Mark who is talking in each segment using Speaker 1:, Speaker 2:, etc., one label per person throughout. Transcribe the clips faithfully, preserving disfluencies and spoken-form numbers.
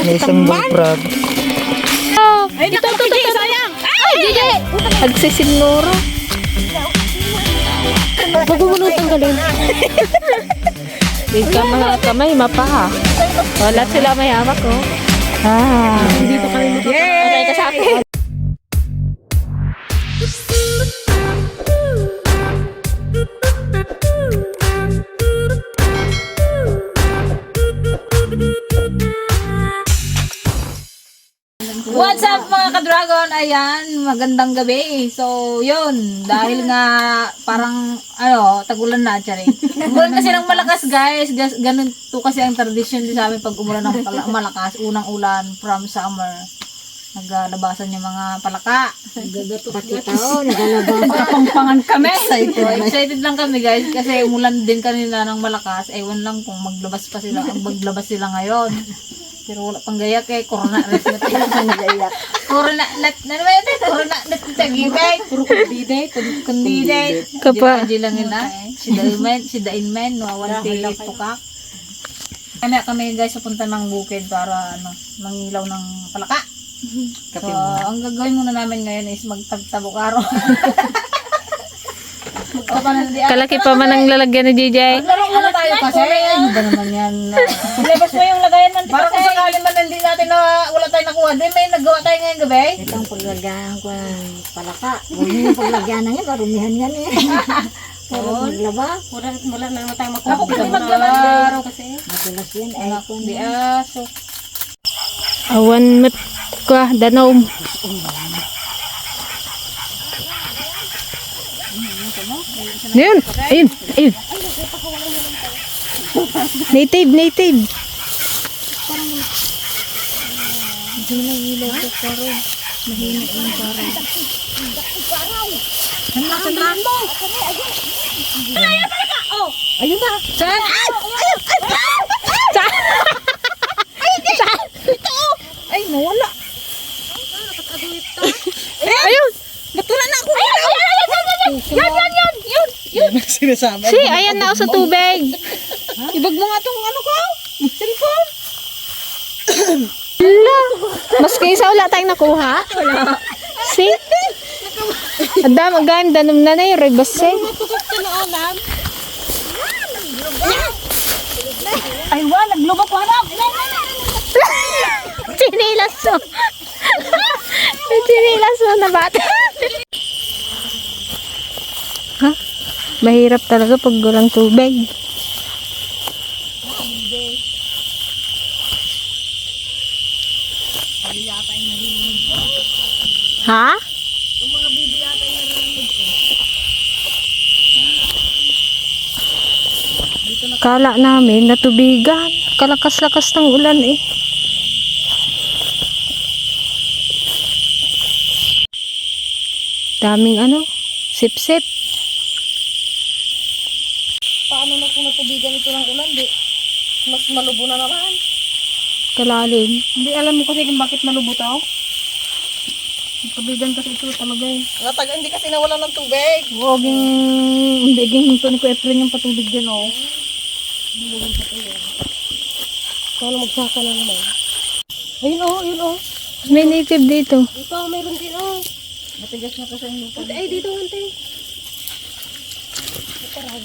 Speaker 1: May isang bullfrog.
Speaker 2: Oh, ay, ito, ito, ito, sayang. Ay, Gigi. Nagsisinuro. Pagbubunutan ka din. Di ka mga kamay, mapa. Wala sila may hawak, oh. Ah. Dito kami makapagay ka sa akin.
Speaker 3: What's up mga ka-dragon? Ayan, magandang gabi. So, yun. Dahil nga parang, ano, tagulan na, tsari. Umulan kasi ng malakas, guys. Gas, ganun to kasi ang tradisyon din sa amin pag umulan ng pala- malakas. Unang ulan from summer. Naglalabasan yung mga palaka.
Speaker 2: Pati tao, nagalabas.
Speaker 3: Kapangpangan kami. Excited. So, excited lang kami, guys. Kasi umulan din kanina ng malakas. Ewan lang kung maglabas pa sila. Maglabas sila ngayon. Pero wala pang gayak eh, corona res na tayo sa nagayak. Corona nat, na naman ito, corona nat sa gibay. Puro kundide, kundide.
Speaker 2: Kapa.
Speaker 3: Di lang ina, si Dainman, si Dainman, nawawanti pukak. Kami kami guys, punta ng bukid para ano, mangilaw ng palaka. So, ang gagawin muna namin ngayon is magtagtabok araw.
Speaker 2: Kalaki pa man ang lalagyan ni J J.
Speaker 3: Laro muna tayo kasi. Ano ba naman yan? Ilabas mo yung lagayan man. Para kung sakali man hindi natin na wala tayong nakuha. Di may nagawa tayo ngayong gabi.
Speaker 4: Itong paglagyan ko ng palaka. Huwag yung paglagyan na yan, marumihan yan eh. Para maglaba.
Speaker 3: Wala, wala na naman tayo makuha. Ako kasi maglaba kasi.
Speaker 4: Madalas yan eh.
Speaker 3: Anak, di aso.
Speaker 2: Awan mat ka, danom. Ayun, ayun, ayun. Native, native.
Speaker 3: Ayun na. Saan? Ay, nawala.
Speaker 2: Ayun.
Speaker 3: Natulan na ako. Ayun, ayun, ayun, ayun. Yan, yan, yan. Yun, yun.
Speaker 1: Sinasabi.
Speaker 2: Si, ayan na ako sa tubig.
Speaker 3: Ibag mo nga itong ano ko. Cellphone.
Speaker 2: Hala. Maski isa wala tayong nakuha. Wala. Si. Adam, agam, danom na na yung rebase.
Speaker 3: Ay, wa, naglubak ko hanap.
Speaker 2: Sinilas mo. Sinilas mo na bata. Ha? Mahirap talaga pag walang tubig. Ha? Kala namin natubigan. Kalakas-lakas ng ulan eh. Daming ano, sip-sip.
Speaker 3: Paano na kung natubigan ito ng ulan, di? Mas malubo na naman.
Speaker 2: Kalalim.
Speaker 3: Hindi alam mo kasi kung bakit malubo to. Natubigan kasi ito talaga eh. Nataga, hindi kasi nawala ng tubig.
Speaker 2: Huwag yung, hindi yung hinto ni ko Efren yung patubig dyan oh.
Speaker 3: Kaya magsaka na naman. Ayun oh, ayun oh.
Speaker 2: May native dito.
Speaker 3: Dito, mayroon din oh. Matigas na kasi yung lupa. Ay, dito, ante. Matarag.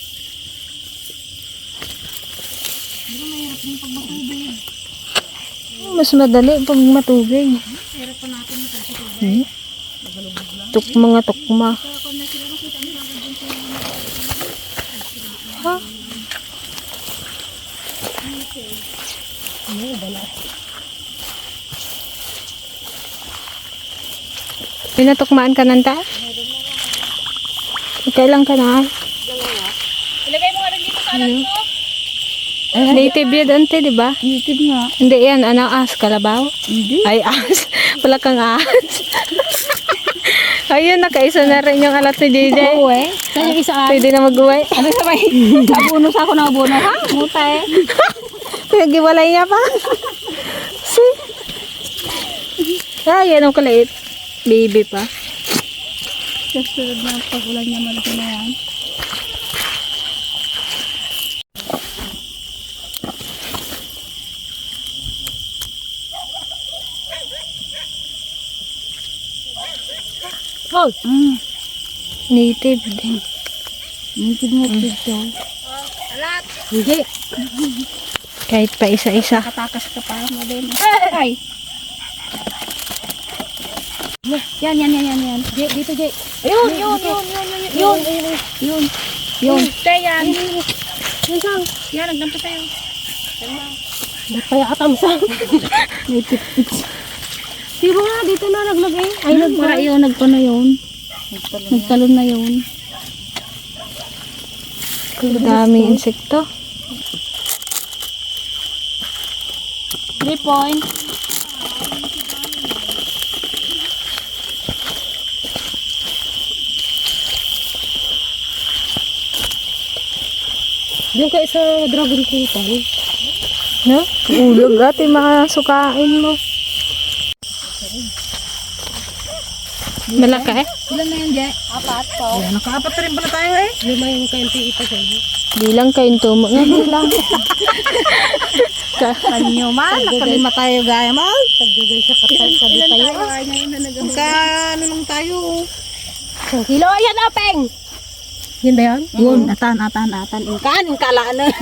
Speaker 3: Hindi na mahirap din pag matubig.
Speaker 2: Mas madali pag matubig.
Speaker 3: Hirap pa natin ito sa tubig.
Speaker 2: Hmm? Tuk mga tukma. Ha? Pinatukmaan ka nanta? Kailan ka na?
Speaker 3: Ilagay mo nga rin dito sa alam ko.
Speaker 2: Native yan ante, di ba?
Speaker 3: Native nga.
Speaker 2: Hindi yan, ano, as, kalabaw?
Speaker 3: Hindi.
Speaker 2: Ay, as. Wala kang as. Ayun, nakaisa na rin yung alat ni J J.
Speaker 3: Oo eh. Saan yung isa?
Speaker 2: Pwede na mag-uwi.
Speaker 3: Ano sabay? Abono sa ako na abono ha? Muta eh.
Speaker 2: Pinag-iwalay niya pa. Si. Ay, yan ang kalait. Baby pa.
Speaker 3: Susunod na pag-ulan niya malaki na yan.
Speaker 2: Oh! Native din.
Speaker 4: Native mo dito.
Speaker 2: Hindi. Kahit pa isa-isa.
Speaker 4: Katakas ka pa mo din. Ay! Yan, yan, yan, yan, yan. Jay, dito, Jay.
Speaker 2: Ayun, yun, yun, yun, yun, yun.
Speaker 4: Yun, yun. Yun.
Speaker 2: Te, yan.
Speaker 4: Yun sang. Yan, nagdampa tayo.
Speaker 2: Ba't kaya katamsang?
Speaker 4: Pero nga, dito na naglagay. Ay, nagpara yun, nagpa na yun. Nagtalon na yun.
Speaker 2: Daming insekto.
Speaker 4: Three point.
Speaker 2: Diyan kayo sa dragon fruit. No? Ulog ate, mga sukain mo. Malaki eh?
Speaker 3: Ilan na yan, Jay?
Speaker 4: Apat po.
Speaker 3: Ayan, nakaapat na rin pala tayo eh.
Speaker 2: Lima yung kainti ito sa'yo. Bilang kain tumo nga bilang.
Speaker 3: Kanyo man, nakalima tayo gaya man.
Speaker 2: Taggagay sa kapal sa di tayo.
Speaker 3: Magka ano lang tayo.
Speaker 2: Isang kilo. Ayan, apeng! Yan ba yan?
Speaker 4: Yun, atan, atan, atan. Ingkan, ingkalaan na.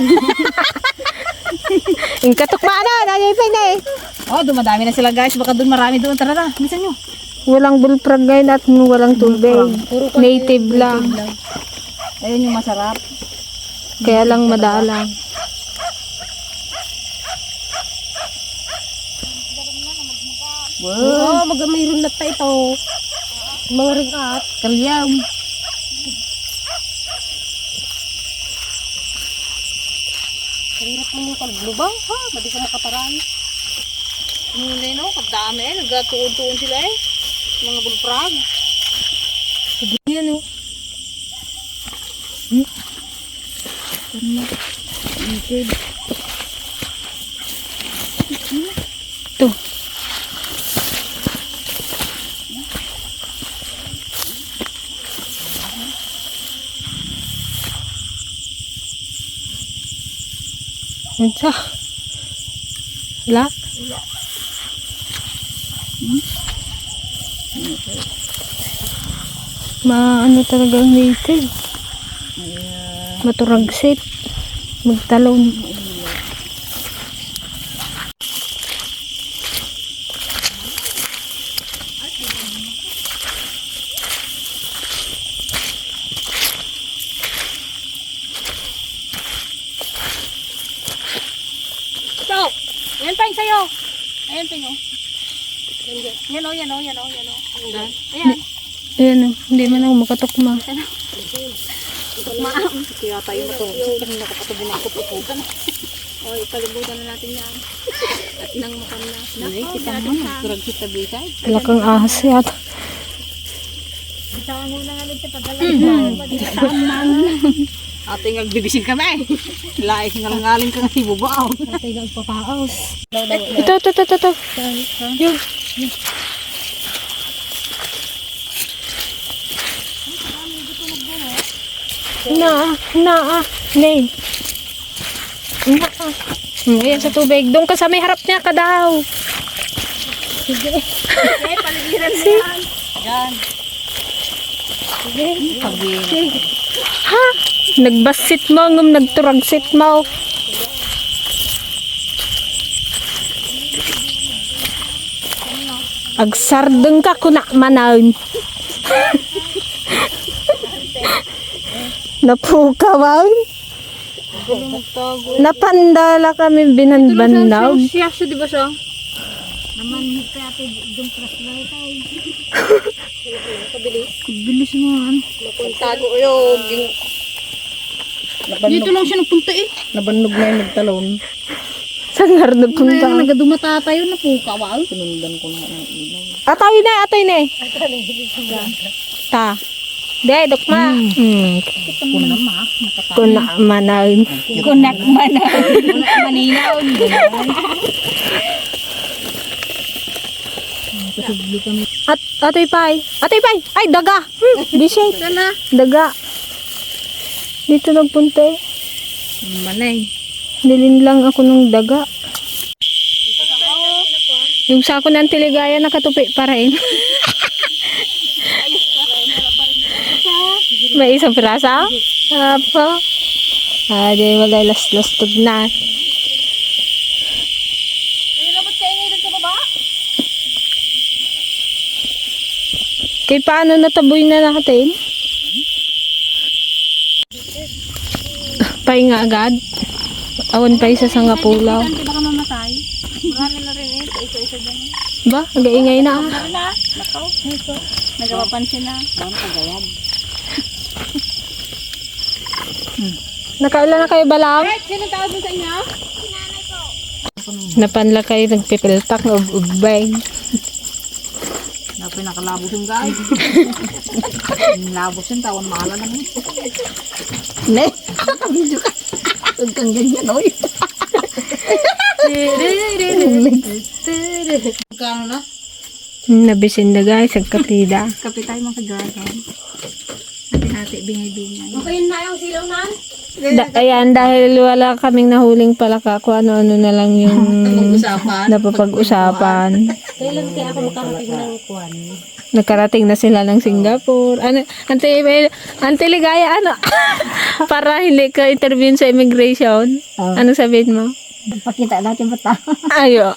Speaker 2: Yung katukma na, nanay na eh.
Speaker 3: Oh, dumadami na sila guys. Baka doon marami doon. Tara na, minsan nyo.
Speaker 2: Walang bullfrog ngayon at walang tubig. Native lang.
Speaker 3: Ayun yung masarap.
Speaker 2: Kaya lang madalang. Wow, mag mayroon na tayo ito. Mga ringat.
Speaker 3: Kalyam.
Speaker 2: Hirap mo yung kalblubang, ha? Madi ka makaparami.
Speaker 3: Hindi no, kadami eh. Nagatuon-tuon sila eh. Mga bulprag.
Speaker 2: Yan o. Ito. Ito. Wala? Maano talaga ang native. Maturagsit. Magtalon.
Speaker 4: So, yan pa yung sayo. Ayan pa yung. Yan o, yan o, yan o, yan o. Ayan.
Speaker 2: Ayan o. Hindi man ako makatukma.
Speaker 4: Maam. Kaya tayo matulog. Kasi nakapatubo na ako pupukan. O, ipalibutan na natin yan. At nang makam na.
Speaker 3: Ay, kita mo na. Turag sa tabisay.
Speaker 2: Talakang ahas yata.
Speaker 4: Bitawan mo na nga dito pag
Speaker 3: Ating nagbibisig kami. Laik nga langaling ka nga ibubaaw.
Speaker 2: Ito, ito, ito, ito, ito. Yun. Na, na, nay. Na, hmm, ayan sa tubig. Doon ka sa may harap niya ka daw. Sige.
Speaker 4: Okay, paligiran mo yan.
Speaker 3: Yan.
Speaker 2: Sige.
Speaker 3: Pagi.
Speaker 2: Sige. Ha? Nagbasit mo, ngum nagturagsit mo. Agsardeng ka kuna manan. Napukawan. Napandala kami binanbanaw.
Speaker 3: Siya siya di ba siya?
Speaker 4: Naman kaya ito yung plus lang tayo.
Speaker 3: Bilis mo ano.
Speaker 2: Tago yun.
Speaker 3: Dito lang siya nagpunta eh. Nabannog na yung nagtalon.
Speaker 2: Sangar na
Speaker 3: Kaya
Speaker 2: punta.
Speaker 3: nagadumata tayo na po kawal. Sinundan ko na ang ilaw.
Speaker 2: Atoy na, atoy na. Ta. De, dokma. Hmm.
Speaker 3: Kuna ma.
Speaker 2: Kuna manan.
Speaker 3: Kunak mana. Kunak maninaw.
Speaker 2: At atoy pay. Atoy pay. Ay daga. Hmm. Bisay.
Speaker 3: Sana.
Speaker 2: Daga. Dito nagpunta eh.
Speaker 3: Manay.
Speaker 2: Nilin lang ako ng daga. Yung sako ng tiligaya nakatupi pa rin. May isang pirasa? Apo. Ah, di wala last-lastog na. Kay paano nataboy na natin? Pahinga agad. Awan pa isa sa ngapulaw.
Speaker 3: Hindi baka mamatay. Marami na rin eh. Isa-isa dyan.
Speaker 2: Ba? Nagaingay na ah.
Speaker 3: Meron na. Nakaw. Ito. Nagapapansin na. Saan pagayad?
Speaker 2: Nakailan na kayo balang?
Speaker 3: Sino tawag mo sa inyo?
Speaker 2: Napanla kayo nagpipiltak ng ubay.
Speaker 3: Na pinakalabos yung guys. Yung labos yung tawon mahala naman.
Speaker 4: Ne, video ka. Huwag kang ganyan, oy.
Speaker 3: Kano na?
Speaker 2: Nabisin na guys, agkapida.
Speaker 3: Kapit tayo mga ka-dragon. Hati-hati, bingay-bingay. Okay na yung silaw na?
Speaker 2: Da, ayan, dahil wala kaming nahuling palaka, kung ano-ano na lang yung
Speaker 3: Usapan.
Speaker 2: napapag-usapan.
Speaker 4: Kailan kaya ako makarating ng kwan?
Speaker 2: Nakarating na sila ng Singapore. Ano, ante, ante ligaya, ano? Para hindi ka interview sa immigration.
Speaker 4: Oh.
Speaker 2: Ano sabihin mo?
Speaker 4: Pakita natin ba ta?
Speaker 2: Ayo.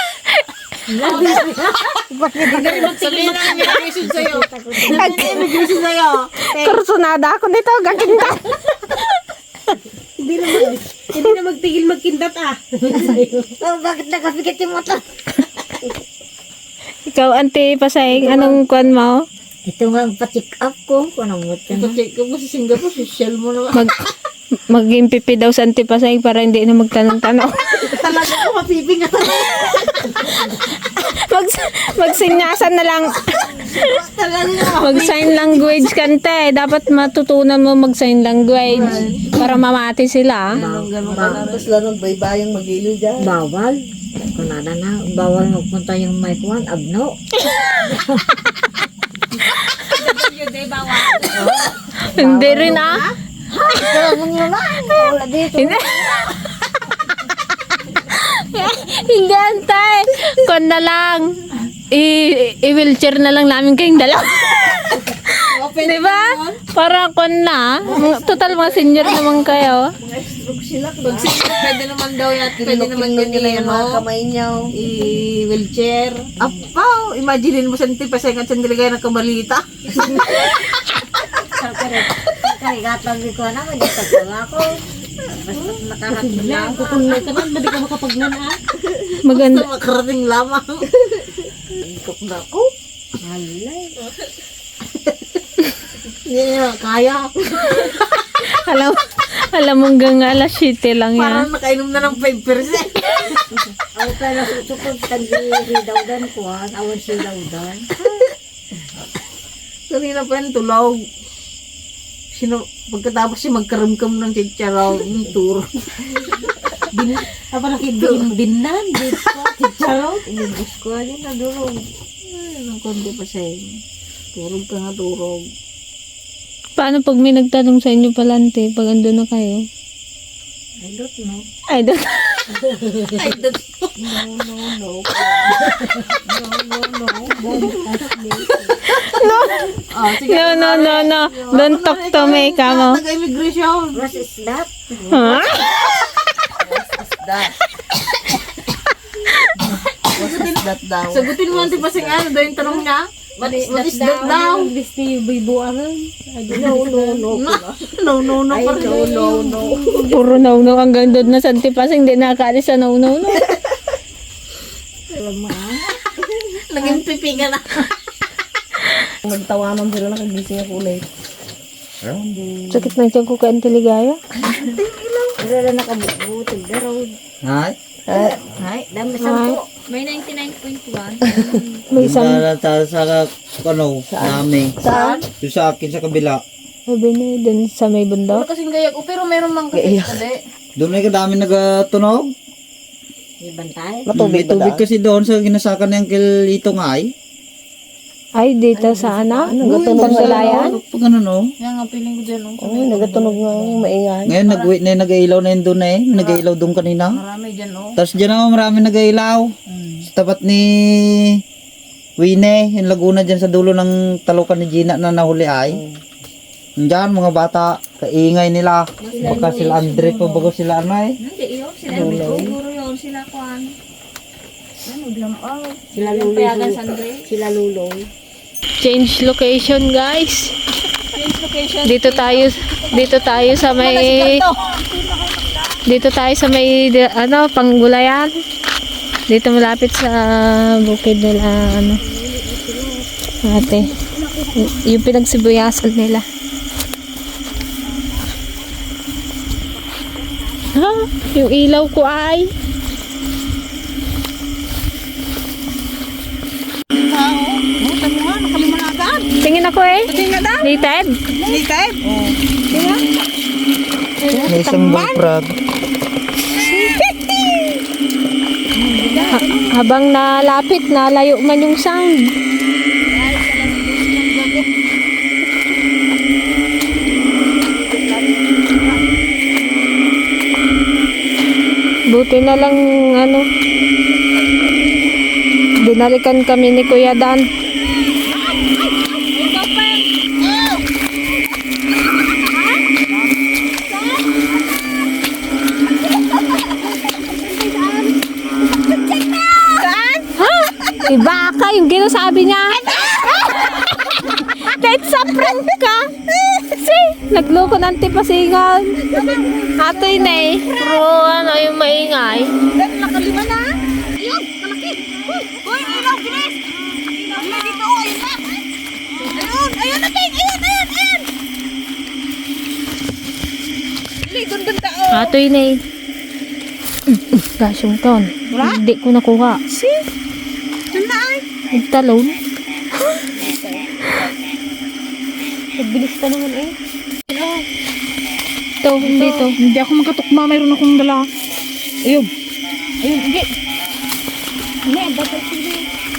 Speaker 3: Sabihin na immigration sa'yo. Immigration sa'yo.
Speaker 2: Kursunada ako nito, gaginda.
Speaker 4: Hindi na, mag, hindi na magtigil magkindat ah. Oh, bakit nakapikit yung motor?
Speaker 2: Ikaw, ante, pasaying, anong kwan mo?
Speaker 4: Ito nga ang pa-check up ko. Kung anong motor na.
Speaker 3: Check ko mo sa Singapore, social mo naman.
Speaker 2: Mag, maging pipi daw sa ante pasaying para hindi na magtanong-tanong.
Speaker 3: Talaga ako mapiping ka
Speaker 2: Mag, magsinyasan na lang.
Speaker 3: talaga.
Speaker 2: Mag-sign language kante. Dapat matutunan mo mag-sign language para mamati sila.
Speaker 3: Ganun ka na. Tapos lang nagbaybayang mag-ilo dyan.
Speaker 4: Bawal. Kunada na. Bawal magpunta yung mic one. Abno.
Speaker 2: Hindi rin ah.
Speaker 4: Ganun yun lang. Wala dito.
Speaker 2: Hindi. Hindi antay. Kon na lang. I- I-wheelchair na lang namin kayong dalawa. Di ba? Para kon na. Total mga senior naman kayo.
Speaker 3: Pag sila, pwede naman daw yan. Pwede naman ganyan, ano? Kamay niyo. I-wheelchair. Apaw! Imagine mo sa nitipasay at sandali kayo nagkabalita.
Speaker 4: Karigatang ko na. Magiging ko ako. Basta nakarating lang. Kukunay ka na. Hindi ka makapaglanaan.
Speaker 2: Maganda.
Speaker 3: Basta makarating lamang. Ikot na ako.
Speaker 4: Halay.
Speaker 3: Hindi niya kaya.
Speaker 2: Alam, alam mo hanggang alas siyete lang yan.
Speaker 3: Parang nakainom na ng five percent.
Speaker 4: Ako pala susukod. Tandi daw dan ko. Awan silaw dan.
Speaker 3: Kanina pa yung tulog. Sino, pagkatapos siya magkaramkam ng chicharaw, yung turo.
Speaker 4: Bin, apa nakibigin binan. Chicharo. Inibus ko. Ayun na durog.
Speaker 3: Ay, ng konti pa siya. Turog ka nga, turog.
Speaker 2: Paano pag may nagtanong sa inyo palante, pag ando na kayo?
Speaker 4: I don't know.
Speaker 2: I don't
Speaker 3: Ay, that...
Speaker 4: No, no, no. No, no, no. Don't ask me.
Speaker 3: Oh, sige.
Speaker 2: No, no, no, no. Don't talk to me, kamo.
Speaker 3: Taga-immigration.
Speaker 4: What is that?
Speaker 2: Huh?
Speaker 3: That. What is that daw? Sagutin mo ang tipasing ano daw yung tanong niya. What is, what is that daw?
Speaker 4: No, no, no.
Speaker 3: No, no, no.
Speaker 4: Ay,
Speaker 3: pa rin.
Speaker 4: no, no, no.
Speaker 2: Puro no-no hanggang doon na sa antipasing, hindi nakaalis sa no-no. No.
Speaker 4: Alam mo ah.
Speaker 3: Naging pipi ka na.
Speaker 1: Nagtawanan sila nakagising ako ulit.
Speaker 2: Sakit ng tiyan ko ka antiligaya.
Speaker 4: Wala na nakabubuti. Darod.
Speaker 1: Hay?
Speaker 4: Ay, dami sampo.
Speaker 3: May ninety-nine point one.
Speaker 2: May isang,
Speaker 1: Sa, sa, sa, ano, namin.
Speaker 2: saan?
Speaker 1: Yung sa akin sa kabila.
Speaker 2: Sabi na, doon sa may bundok.
Speaker 3: Kasing gaya ko, pero meron mang kapit kabe.
Speaker 1: Doon ay kadami nagatunog.
Speaker 4: May bantay.
Speaker 1: May tubig kasi doon sa ginasakan ng kilito nga ay.
Speaker 2: Ay, dito sa ano? Panggalayan?
Speaker 1: Pag ano no.
Speaker 3: Yan nga, piling ko dyan. Oh.
Speaker 2: Oo, nagatunog nga yung maingay.
Speaker 1: Ngayon nag na nag-ailaw na yun doon eh. Nag-ailaw doon kanina.
Speaker 3: Marami dyan, oh.
Speaker 1: Tapos dyan naman marami nag-ailaw. Sa tapat ni Wine, yung Laguna dyan sa dulo ng talukan ni Gina na nahuli ay. Diyan, mga bata, kaingay nila. Baka sila Andre pa, bago sila ano eh.
Speaker 3: Hindi, yun. Sila siguro yun. Sila kuhan. Ano, glamang.
Speaker 4: Sila
Speaker 3: Yung
Speaker 4: luloy.
Speaker 3: payagan sa Andre.
Speaker 4: Sila luloy.
Speaker 2: Change location, guys.
Speaker 3: Change location.
Speaker 2: Dito tayo, dito tayo sa may, dito tayo sa may, di- ano, Panggulayan. Dito malapit sa bukid nila, ano, ate. Y- yung pinagsibuyasan nila. Ha? Yung ilaw ko ay. Tingin ako eh. Native?
Speaker 1: May isang bullfrog.
Speaker 2: Ha- habang nalapit, nalayo man yung sound. Buti na lang, ano, dinalikan kami ni Kuya Dan. Iba ka yung ginasabi niya. Kahit sa prank ka. See, nagloko ng tipasingan. Atoy na eh. Pero ano yung maingay.
Speaker 3: Nakalima na. Ayun, malaki. Uy, uy, ilaw, bilis. Ilaw dito, oh, ayun na. Ayun, ayun na, Ting. Ayun, ayun, ayun. Dili, dun, dun, tao.
Speaker 2: Atoy na eh. Gosh, yung ton. Hindi ko nakuha.
Speaker 3: See? Dun na ay.
Speaker 2: Nagtalon.
Speaker 4: Nagbilis pa naman eh.
Speaker 2: Ito, hindi to.
Speaker 3: Hindi ako magkatukma, mayroon akong dala. Ayun. Ayun, hindi.
Speaker 4: Hindi, dapat sila.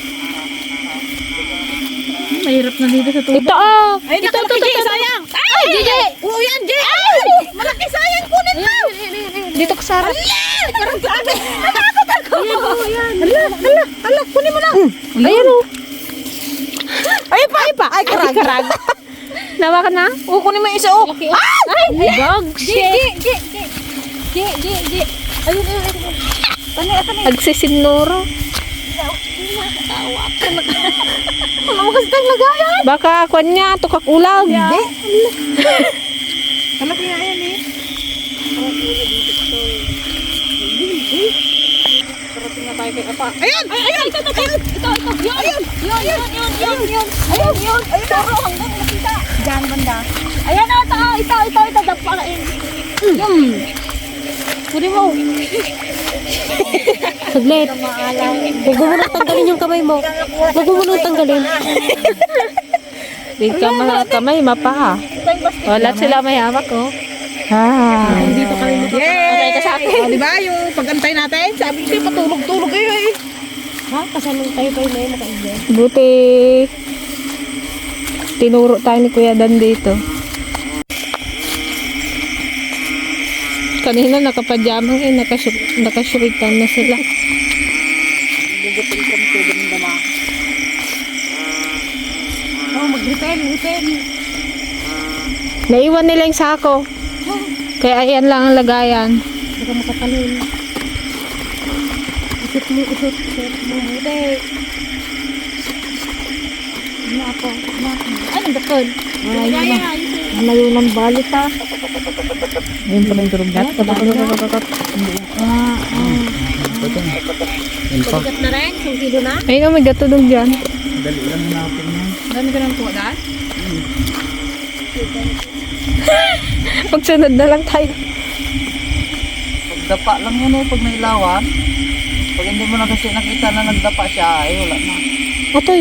Speaker 3: Mahirap na dito sa tubig.
Speaker 2: Ito oh.
Speaker 3: Ay,
Speaker 2: Ito, ito,
Speaker 3: nakalaki,
Speaker 2: ito,
Speaker 3: Jay,
Speaker 2: ito.
Speaker 3: sayang.
Speaker 2: Ay, Jay.
Speaker 3: Oo, yan, Jay. Ay! Malaki, sayang, kunin mo.
Speaker 2: Dito ka, Sarah.
Speaker 3: Parang grabe. Natakot ako. Ayan, Ala, ala, ala, kunin mo na.
Speaker 2: Ayan oh.
Speaker 3: Ay, pa, ay, pa. Ay, karag. karag.
Speaker 2: Nawa ka na?
Speaker 3: Oo, kunin mo yung isa, oh. Ay!
Speaker 2: Ay, bag.
Speaker 3: Jay, Jay, Jay, Jay. Jay, Jay, Jay. Ayun, ayun, ayun. Tanay, tanay.
Speaker 2: Agsisinuro.
Speaker 3: Ano kasi tayong lagayan?
Speaker 2: Baka kwan niya, tukak ulag.
Speaker 3: Hindi. Malaki nga yan, eh. Parating na tayo kay Apa. Ayun! Ay, ayun! Ito, ito, ito! Ito, ito! Yun! Ayun! Yun, yun, yun, yun, yun! Ayun, yun! Ayun, turo hanggang nakita. Diyan, banda. Ayan na, ito, ito, ito, ito, dapa ka eh. Yun! Pwede mo.
Speaker 2: Saglit.
Speaker 4: Huwag mo munang tanggalin yung kamay mo. Huwag mo munang tanggalin.
Speaker 2: Di ka ma- kamay, mapa. Wala sila may hawak oh. Ah.
Speaker 4: Dito kami
Speaker 3: Yay! Ka sa akin. O, diba? Yung pag-antay natin, sabi ko, patulog-tulog kayo eh.
Speaker 4: Ha? Kasanong tayo tayo na yun makaigyan.
Speaker 2: Buti tinuro tayo ni Kuya Dan dito. Kanina nakapadyamang eh, nakasy- nakasyuritan na sila.
Speaker 3: Oh, mag-repel, repel.
Speaker 2: Naiwan nila yung sako. Kaya ayan lang ang lagayan.
Speaker 4: Baka makatalon. Isot mo, isot. Isot mo. Buti. Ano ako? Ano ako?
Speaker 3: Ay, nagdakod.
Speaker 4: Ay, malayo ng balik ha.
Speaker 1: Ayun pa rin turog na. Ayun pa.
Speaker 4: Bigat na rin. Kung kilo na.
Speaker 2: Ayun oh, may gatulog dyan.
Speaker 1: Dali lang natin yan.
Speaker 3: Dami ka ng kuha dahil?
Speaker 2: Pagsunod na lang tayo.
Speaker 1: Pagdapa lang yun eh, pag may ilawan. Pag hindi mo na kasi nakita na nagdapa siya, ay wala na.
Speaker 2: Atoy.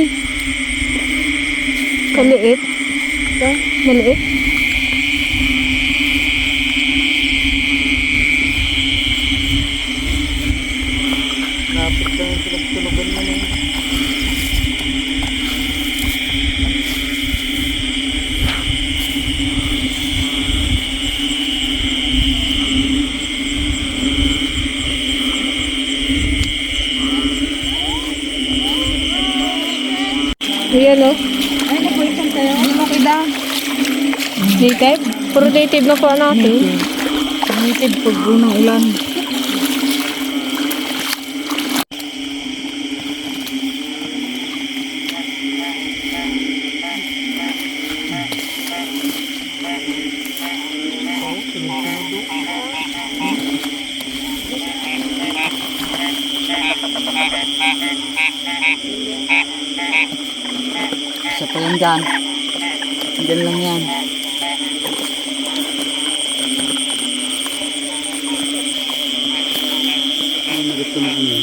Speaker 2: Kaliit. Ito, maliit.
Speaker 1: Lapit lang yung pinagtulugan mo na yun.
Speaker 2: Ayan oh.
Speaker 3: Ay, nagwaitan tayo. Ano mo kita?
Speaker 2: Native? Puro native na po natin.
Speaker 1: Native pag unang ulan. Isa pa yan dyan. Dyan lang yan. Ano gusto mo yun?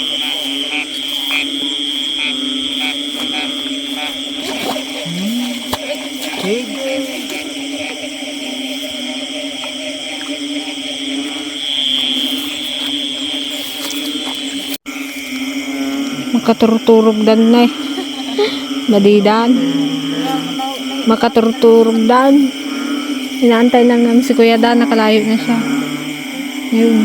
Speaker 2: Makaturturog dan na eh. Madidan. Makaturturog dan. Inaantay lang namin si Kuya Dan, nakalayo na siya. Yun.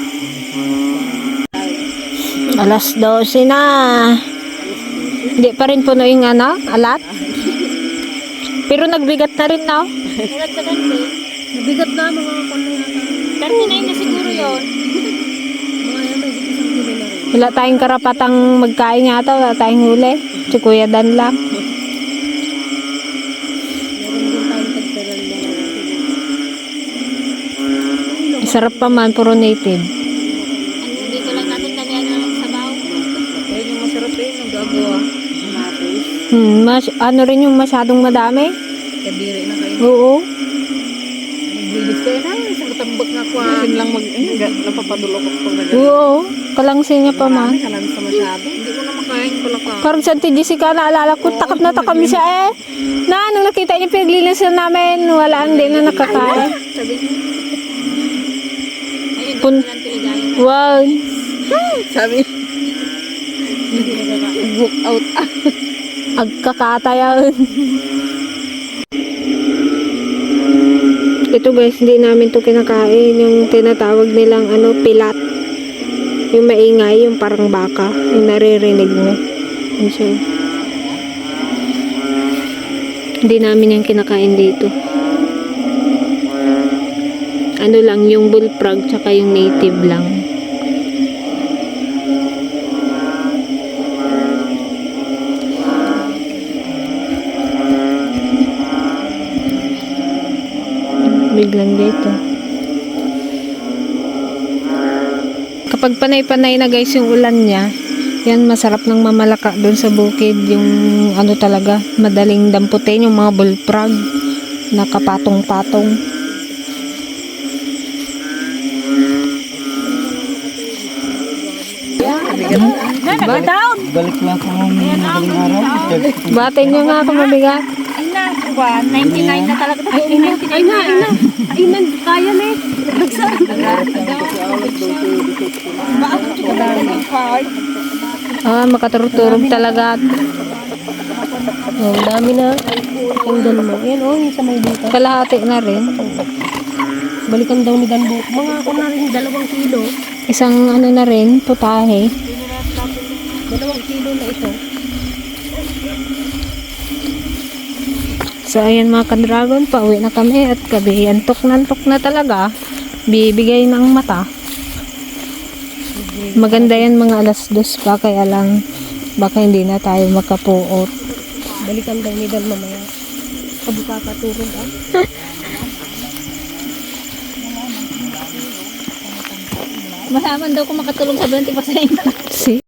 Speaker 2: Alas dose na. Hindi pa rin puno yung ano, alat. Pero nagbigat na rin na.
Speaker 3: Ulat sa ganti.
Speaker 4: Nabigat na mga kuno yata.
Speaker 3: thirty-nine na siguro yun.
Speaker 4: Mga yan, may isang kilo na rin.
Speaker 2: Wala tayong karapatang magkain yata, wala tayong huli. Si Kuya Dan lang.
Speaker 4: Meron din tayong tagdaran na.
Speaker 2: Sarap pa man, puro native.
Speaker 3: Ano, dito lang natin damihan ng sabaw.
Speaker 1: Ayun yung masarap eh. Nagagawa. Matis.
Speaker 2: Hmm, mas, ano rin yung masyadong madami?
Speaker 1: Kadiri na kayo.
Speaker 2: Oo.
Speaker 1: Naglilis kayo na. Isang katambak nga ko. Akin lang mag... Eh, napapadulok ako pag nag-
Speaker 2: Oo. Kalangsin niya pa man.
Speaker 1: Kalan sa masyado. Hindi ko na makain pala ka.
Speaker 2: Parang sa Auntie Jessica, naalala ko, takap na takam siya eh. Na, nung nakita niya pinaglilisan namin, wala hindi na nakakain.
Speaker 1: Sabi niya.
Speaker 3: Ayun,
Speaker 2: Pun
Speaker 3: doon lang tiligayan.
Speaker 2: wow.
Speaker 1: Sabi. Book out.
Speaker 2: Agkakatayan. Ito guys, hindi namin to kinakain. Yung tinatawag nilang ano, pilat. Yung maingay, yung parang baka. Yung naririnig mo. Yun siya. Hindi namin yung kinakain dito. Ano lang, yung bullfrog tsaka yung native lang. Biglang dito. Kapag panay-panay na guys yung ulan niya, yan masarap ng mamalaka doon sa bukid. Yung ano talaga, madaling damputin yung mga bullfrog. Nakapatong-patong.
Speaker 1: Balik lang ako ng madaling araw.
Speaker 2: Batin niyo nga kung mabigat.
Speaker 3: Ay na, one ninety-nine na talaga. Ay, ninety-nine na.
Speaker 4: Ay na, ay na, kaya na eh.
Speaker 2: Ah, makaturturog talaga.
Speaker 4: Oh, dami na. Tingnan mo. Ayan oh, yung sa may dito.
Speaker 2: Kalahati na rin.
Speaker 4: Balikan daw ni Danbo. Mga ako na rin, dalawang kilo.
Speaker 2: Isang ano na rin, putahe.
Speaker 4: Dalawang kilo na ito.
Speaker 2: So, ayan mga ka-dragon, pauwi na kami at gabi. Antok na antok na talaga. Bibigay ng mata. Maganda yan mga alas dos pa, kaya lang baka hindi na tayo makapuot.
Speaker 4: Balikan daw ni Dan mamaya. Kabuka ka turog ah.
Speaker 3: Masaman daw kung makatulong sa twenty percent.
Speaker 2: See?